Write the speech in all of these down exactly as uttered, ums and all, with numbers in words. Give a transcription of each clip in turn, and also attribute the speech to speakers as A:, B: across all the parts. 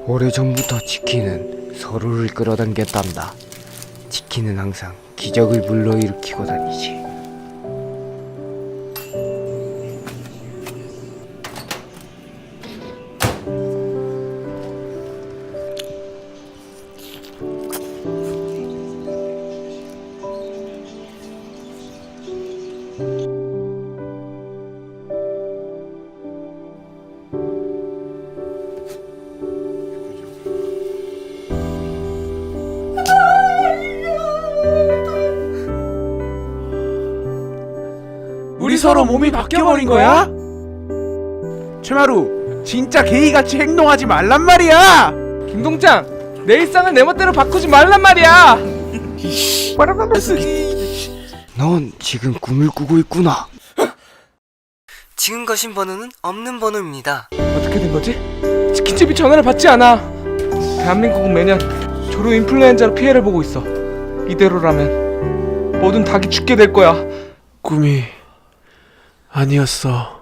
A: 오래전부터 치킨은 서로를 끌어당겼단다. 치킨은 항상 기적을 불러일으키고 다니지.
B: 우리 서로 몸이 바뀌어버린 거야? 최마루, 진짜 게이같이 행동하지 말란 말이야!
C: 김동장, 내 일상을 내 멋대로 바꾸지 말란 말이야.
A: 넌 지금 꿈을 꾸고 있구나.
D: 지금 거신 번호는 없는 번호입니다.
C: 어떻게 된 거지? 치킨집이 전화를 받지 않아. 대한민국은 매년 조류 인플루엔자로 피해를 보고 있어. 이대로라면 모든 닭이 죽게 될 거야.
B: 꿈이 아니었어.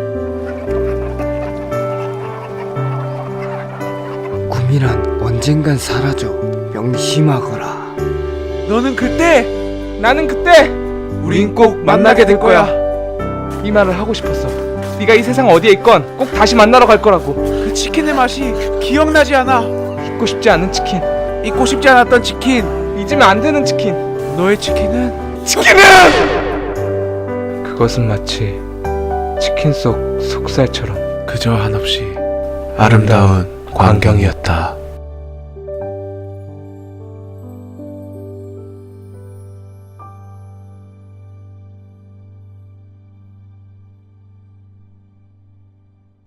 A: 꿈이란 언젠간 사라져. 명심하거라.
B: 너는 그때
C: 나는 그때
B: 우린 꼭 만나게 될 거야.
C: 이 말을 하고 싶었어. 네가 이 세상 어디에 있건 꼭 다시 만나러 갈 거라고.
B: 그 치킨의 맛이 기억나지 않아.
C: 잊고 싶지 않은 치킨,
B: 잊고 싶지 않았던 치킨.
C: 잊으면 안 되는 치킨.
B: 너의 치킨은
C: 치킨은! 그것은 마치 치킨 속 속살처럼
B: 그저 한없이 아름다운 광경이었다.